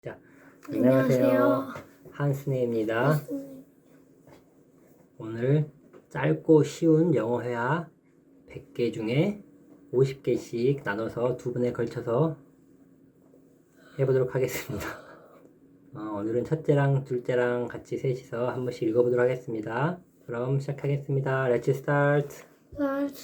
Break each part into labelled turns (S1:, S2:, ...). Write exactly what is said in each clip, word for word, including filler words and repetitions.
S1: 자,
S2: 안녕하세요.
S1: 안녕하세요. 한스네입니다.
S2: 네.
S1: 오늘 짧고 쉬운 영어 회화 백 개 중에 오십 개씩 나눠서 두 분에 걸쳐서 해보도록 하겠습니다. 어, 오늘은 첫째랑 둘째랑 같이 셋이서 한 번씩 읽어보도록 하겠습니다. 그럼 시작하겠습니다. Let's start.
S2: Start.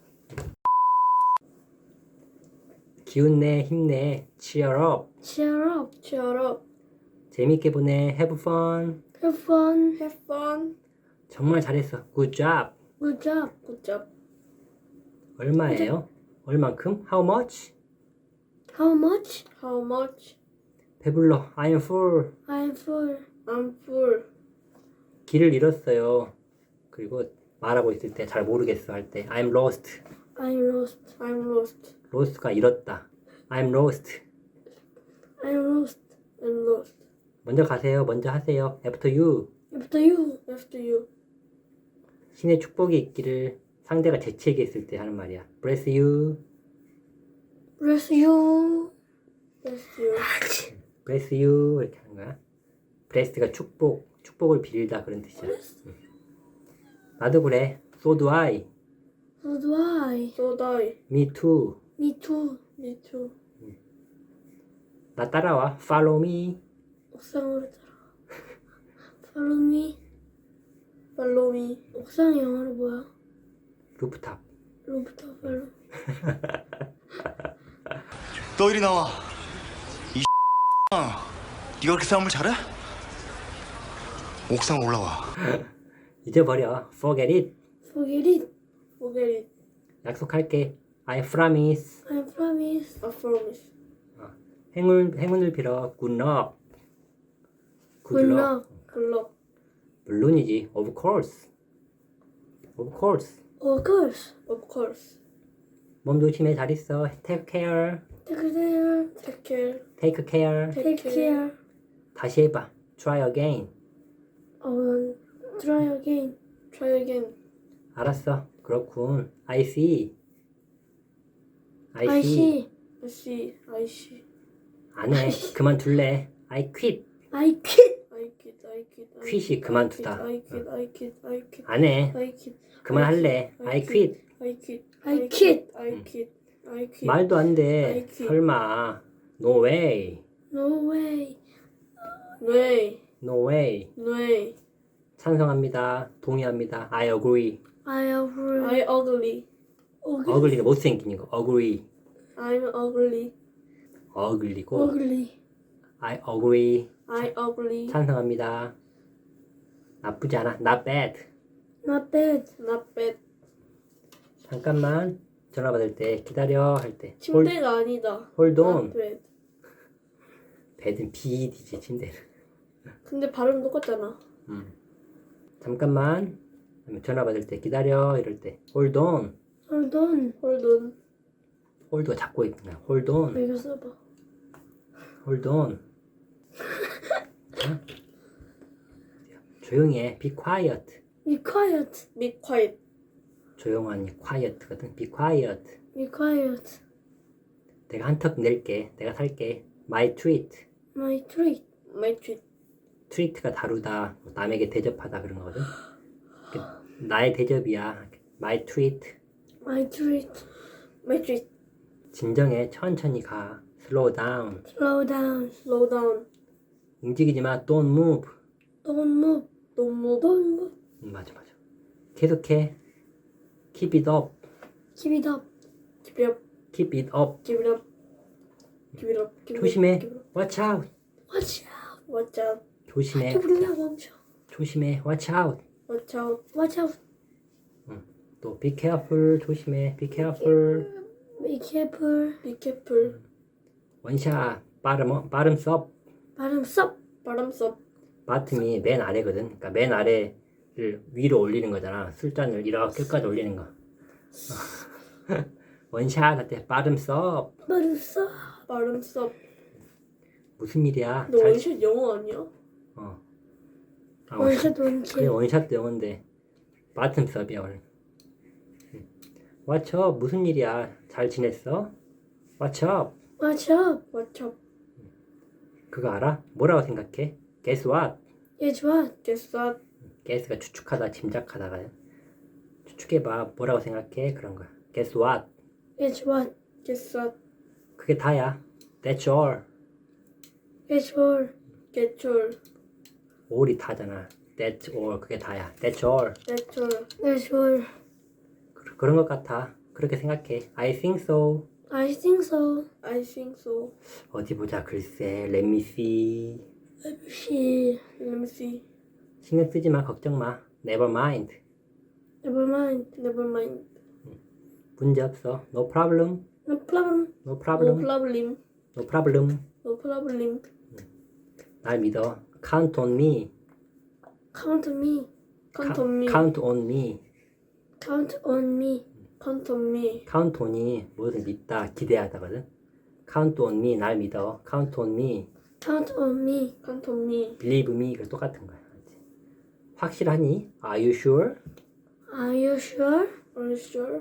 S1: 기운내, 힘내, cheer up.
S2: Cheer up. Cheer up.
S1: 재밌게 보내, have fun.
S2: Have fun. Have fun.
S1: 정말 잘했어, good job.
S2: Good job. Good job.
S1: 얼마예요? 얼만큼? How much?
S2: How much? How much?
S1: 배불러, I'm full.
S2: I'm full. I'm full.
S1: 길을 잃었어요. 그리고 말하고 있을 때 잘 모르겠어 할 때 I'm lost.
S2: I'm lost. I'm lost.
S1: lost가 잃었다. I'm lost.
S2: I'm lost. I'm lost.
S1: 먼저 가세요. 먼저 하세요. After you.
S2: After you. After you.
S1: 신의 축복이 있기를 상대가 재치있게 있을 때 하는 말이야. Bless you.
S2: Bless you. Bless you.
S1: Bless you. 이렇게 하는 거야. bless가 축복, 축복을 빌다 그런 뜻이야. 응. 나도 그래. So do I.
S2: So do I. So do I.
S1: Me too.
S2: Me too. Me too.
S1: 나 따라와. Follow me.
S2: 옥상으로 따라와. Follow me. Follow me. 옥상 영어로 뭐야?
S1: 루프탑.
S2: 로부터 follow.
S3: 너 이리 나와. 이 네가 그렇게 싸움을 잘해? 옥상 올라와.
S1: 잊어버려. Forget it.
S2: Forget it. Forget it.
S1: 약속할게. I promise.
S2: I promise. I promise.
S1: 행운, 행운을 빌어. Good luck.
S2: Good luck. Good luck.
S1: 물론이지. Of course. Of course.
S2: Of course. Of course.
S1: 몸 조심해. 잘 있어. Take care.
S2: Take care. Take care.
S1: Take care.
S2: Take care.
S1: 다시 해봐. Try again.
S2: 어, try again. Try again.
S1: 알았어. 그렇군. I see. I
S2: I
S1: see.
S2: see. I see. I see.
S1: 안 해. 그만둘래. I quit.
S2: I quit. I quit. I quit. I
S1: quit이 그만두다.
S2: I quit. I quit. I quit.
S1: 안 해.
S2: I quit.
S1: 그만할래. I quit.
S2: I quit. I quit. I quit. I quit.
S1: 말도 안 돼.
S2: I quit.
S1: 설마. No way.
S2: No way. way.
S1: No way.
S2: way.
S1: 찬성합니다. 동의합니다. I agree.
S2: I agree. I ugly.
S1: ugly가 못생긴 거. agree.
S2: I'm ugly.
S1: ugly고.
S2: ugly.
S1: I agree.
S2: I ugly.
S1: 찬성합니다. 나쁘지 않아. Not bad.
S2: Not bad. Not bad.
S1: 잠깐만. 전화 받을 때 기다려 할 때.
S2: 침대가 아니다.
S1: hold on.
S2: Not bad.
S1: bed은 bed지 침대는.
S2: 근데 발음 똑같잖아.
S1: 음. 잠깐만. 전화 받을 때 기다려 이럴 때. hold on.
S2: Hold on. Hold on.
S1: hold가 잡고 있는 거야. hold on.
S2: 이거 써봐.
S1: hold on. 어? 조용히 해. be quiet.
S2: Be quiet. Be quiet.
S1: 조용하니 quiet거든. be quiet.
S2: Be quiet.
S1: 내가 한턱 낼게. 내가 살게. my treat.
S2: My treat. My treat.
S1: treat가 다루다. 남에게 대접하다 그런 거거든. 그, 나의 대접이야. my treat.
S2: My treat. My treat.
S1: 진정해. 천천히 가. slow down.
S2: Slow down. Slow down.
S1: 움직이지 마. don't move.
S2: Don't move. Don't move. Don't move.
S1: 음, 맞아 맞아. 계속해. keep it up.
S2: Keep it up. Keep it up.
S1: keep it up.
S2: Keep it up. Keep it up. Keep it up.
S1: 조심해.
S2: Keep it up.
S1: watch out.
S2: Watch out. Watch out.
S1: 조심해.
S2: 조금만 멈춰.
S1: 조심해. watch out.
S2: Watch out. Watch out.
S1: 또 be careful. 조심해. be careful.
S2: Be careful. Be careful.
S1: 원샷. 빠름 빠름 썹.
S2: 발음 썹. 발음 썹.
S1: 바텀이 맨 아래거든. 그러니까 맨 아래를 위로 올리는 거잖아. 술잔을 이렇게 끝까지 올리는 거. 원샷 할 때 빠름 썹.
S2: 발음 썹. 발음 썹.
S1: 무슨 일이야?
S2: 너
S1: 잘-
S2: 원샷 영어 아니야?
S1: 어. 아, 원-
S2: 원샷 원샷.
S1: 그래 원샷도 영어인데 바텀 썹이야 오늘. What's up? 무슨 일이야? 잘 지냈어? What's up?
S2: Watch up. Watch up.
S1: 그거 알아? 뭐라고 생각해? Guess what?
S2: Guess what? Guess what?
S1: guess가 추측하다, 짐작하다가 추측해봐. 뭐라고 생각해? 그런 거야. Guess what?
S2: Guess what? Guess what?
S1: 그게 다야. That's all.
S2: Guess all. Get all.
S1: all이 다잖아. That's all. 그게 다야. That's all.
S2: That's all. That's all.
S1: 그- 그런 것 같아. 그렇게 생각해. I think so.
S2: I think so. I think so.
S1: 어디 보자. 글쎄. Let me see.
S2: Let me see. Let me see.
S1: 신경 쓰지 마. 걱정 마. Never mind.
S2: Never mind. Never mind.
S1: 문제 없어. No problem.
S2: No problem.
S1: No
S2: No
S1: problem.
S2: problem.
S1: No problem.
S2: No problem.
S1: 날 믿어. Count on me.
S2: Count on me. Count on me.
S1: Count on me.
S2: Count on me. Count on me.
S1: Count on이 무엇을 믿다, 기대하다거든. Count on me. 날 믿어. Count on me.
S2: Count on me. Count on me.
S1: Believe me. 그 똑같은 거야. 알지? 확실하니? Are you sure?
S2: Are you sure? Are you sure?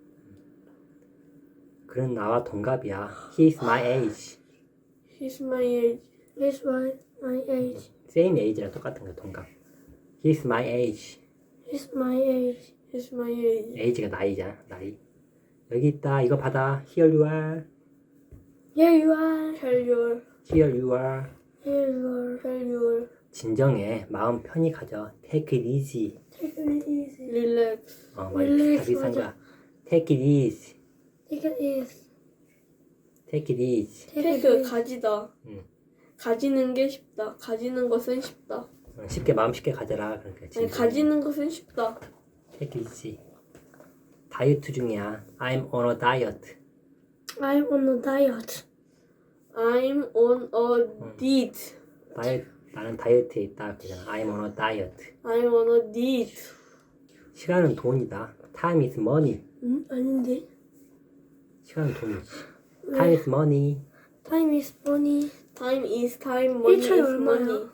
S1: 그는 나와 동갑이야. He's my age.
S2: He's my age. He's my my age.
S1: Same age랑 똑같은 거야. 동갑. He's my age.
S2: He's my age. He's my age.
S1: age가 나이잖아. 나이. 여기 있다. 이거 받아. Here you are.
S2: Here you are. Here you are.
S1: Here you are.
S2: Here you are. Here you are.
S1: 진정해. 마음 편히 가져. Take it easy.
S2: Take it easy. Relax.
S1: 어, 뭐
S2: Relax,
S1: 다 비슷한
S2: 맞아.
S1: 거야. Take it easy.
S2: Take it easy.
S1: Take it easy.
S2: Take it easy. 가지다.
S1: 응.
S2: 가지는 게 쉽다. 가지는 것은 쉽다.
S1: 어, 쉽게 마음 쉽게 가져라. 그러니까
S2: 아니,
S1: 진정해.
S2: 가지는 것은 쉽다.
S1: Take it easy. 다이어트 중이야. I'm on a diet.
S2: I'm on a diet. I'm on a diet.
S1: 다이어트, 나는 다이어트에 있다. 그잖아. I'm on a diet.
S2: I'm on a diet.
S1: 시간은 돈이다. Time is money.
S2: 응? 아닌데.
S1: 시간은 돈이지. Time is money.
S2: Time is money. Time is time. Money 일차이 is 얼마야?
S1: 뭐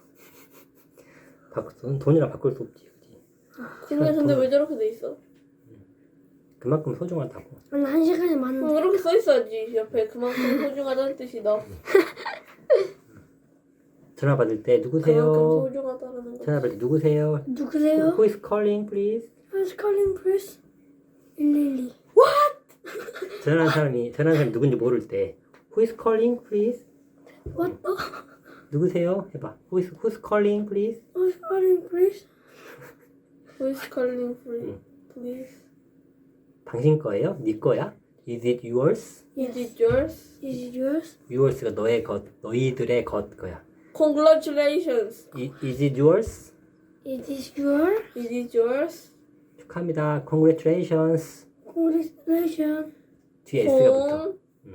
S1: 바꿀 돈이랑 바꿀 수 없지. 그지?
S2: 근데 근데 왜 저렇게 돼 있어?
S1: 그만큼 소중하다고.
S2: 아니 한 시간이 많은데. 그렇게 써 있어야지. 옆에 그만큼 소중하다는 뜻이다.
S1: 전화 받을 때
S2: 그만큼
S1: 누구세요?
S2: 소중하다는 거.
S1: 전화 받을 때 누구세요?
S2: 누구세요?
S1: Who is calling, please?
S2: Who's calling, please? 일일이.
S1: 전화하는 사람이 전화하는 사람이 누군지 모를 때 Who is calling, please?
S2: What the?
S1: 누구세요? 해봐. Who is Who's calling, please?
S2: Who's calling, please? Who's calling, please? Please.
S1: 당신 거예요? 네 거야? Is it yours?
S2: Is it yours? Is it yours?
S1: Yours가 너의 것, 너희들의 것 거야.
S2: Congratulations.
S1: I, is it yours?
S2: Is it yours? Is it yours?
S1: 축하합니다. Congratulations.
S2: Congratulations.
S1: 뒤에 S가 붙어.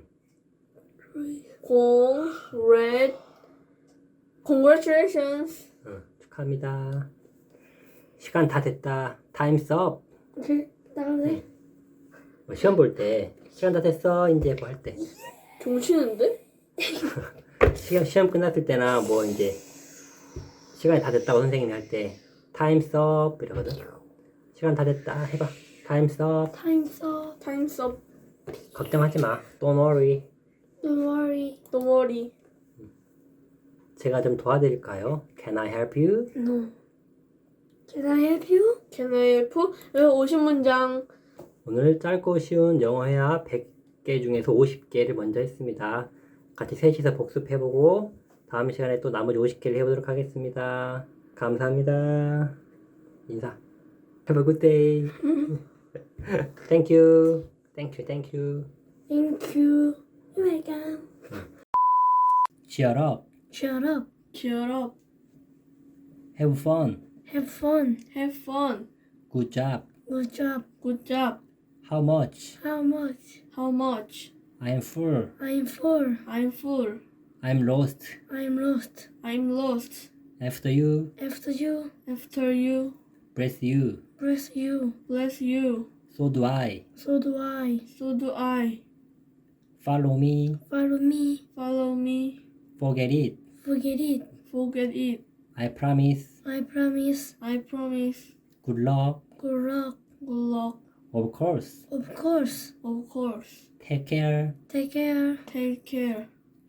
S2: Congrat. Congratulations.
S1: 응, 축하합니다. 시간 다 됐다. Time's up.
S2: 오케이, 나가네.
S1: 뭐 시험 볼 때 시간 다 됐어. 이제 뭐 할 때.
S2: 종치는데?
S1: 시험 시험 끝났을 때나 뭐 이제 시간이 다 됐다고 선생님이 할 때 Time's up 이러거든. 시간 다 됐다. 해봐. Time's up.
S2: Time's up. Time's up.
S1: 걱정하지 마. Don't worry.
S2: Don't worry. Don't worry.
S1: 제가 좀 도와드릴까요? Can I help you?
S2: No. Can I help you? Can I help you? 여기 오십 문장.
S1: 오늘 짧고 쉬운 영어 회화 백 개 중에서 오십 개를 먼저 했습니다. 같이 셋이서 복습해보고 다음 시간에 또 나머지 오십 개를 해보도록 하겠습니다. 감사합니다. 인사. Have a good day. Thank you. Thank you. Thank you.
S2: Thank you. You're welcome.
S1: Cheer up.
S2: Shut up. Shut up.
S1: Have fun.
S2: Have fun. Have fun.
S1: Good job.
S2: Good job. Good job.
S1: How much?
S2: How much? How much?
S1: I am full.
S2: I'm full. I'm full.
S1: I'm lost.
S2: I'm lost. I'm lost.
S1: After you.
S2: After you. After you.
S1: Bless you.
S2: Bless you. Bless you.
S1: So do I.
S2: So do I. So do I.
S1: Follow me.
S2: Follow me. Follow me.
S1: Forget it.
S2: Forget it. Forget it.
S1: I promise.
S2: I promise. I promise.
S1: Good luck.
S2: Good luck. Good luck.
S1: Of course.
S2: Of course. Of course.
S1: Take care.
S2: Take care. Take care.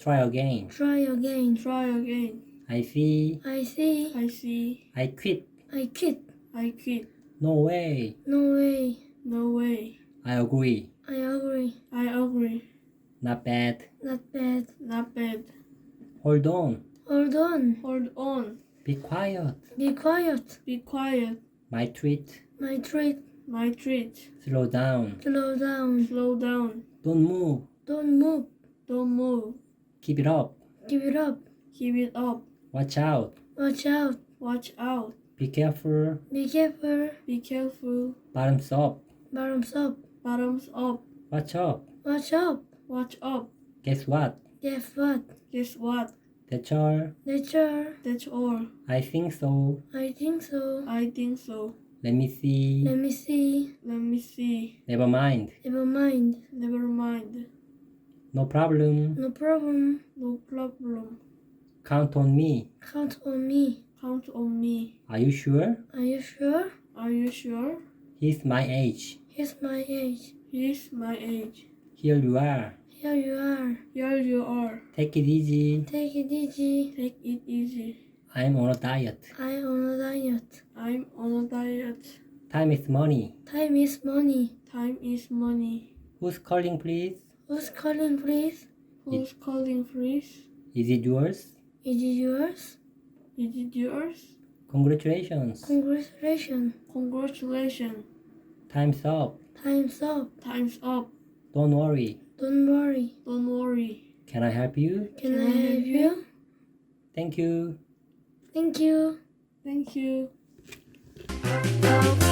S1: Try again.
S2: Try again. Try again.
S1: I see.
S2: I see.
S1: I see. I quit.
S2: I quit.
S1: I quit. No way.
S2: No way.
S1: No way. I agree.
S2: I agree.
S1: I agree. Not bad.
S2: Not bad.
S1: Not bad. Hold on.
S2: Hold on.
S1: Hold on. Be quiet.
S2: Be quiet.
S1: Be quiet. My treat.
S2: My treat.
S1: My treat. Slow down.
S2: Slow down.
S1: Slow down. Don't move.
S2: Don't move.
S1: Don't move. Keep it up.
S2: Keep it up.
S1: Keep it up. Watch out.
S2: Watch out.
S1: Watch out. Be careful.
S2: Be careful.
S1: Be careful. Bottoms up.
S2: Bottoms up.
S1: Bottoms up. Watch up.
S2: Watch up.
S1: Watch up. Guess what?
S2: Guess what?
S1: Guess what? That's all.
S2: That's all.
S1: That's all. I think so.
S2: I think so.
S1: I think so. Let me see.
S2: Let me see.
S1: Let me see. Never mind.
S2: Never mind.
S1: Never mind. No problem.
S2: No problem.
S1: No problem. Count on me.
S2: Count on me.
S1: Count on me. Are you sure?
S2: Are you sure?
S1: Are you sure? He's my age.
S2: He's my age.
S1: He's my age. Here you are.
S2: Here you are.
S1: Here you are. Take it easy.
S2: Take it easy.
S1: Take it easy. I'm on a diet.
S2: I'm on a diet.
S1: I'm on a diet. Time is money.
S2: Time is money.
S1: Time is money. Who's calling, please?
S2: Who's calling, please?
S1: Who's it, calling, please? Is it yours?
S2: Is it yours?
S1: Is it yours? Congratulations.
S2: Congratulations.
S1: Congratulations. Time's up.
S2: Time's up.
S1: Time's up. Don't worry.
S2: Don't worry.
S1: Don't worry. Can I help you?
S2: Can, Can I help you? you?
S1: Thank you.
S2: Thank you.
S1: Thank you.
S2: Thank you.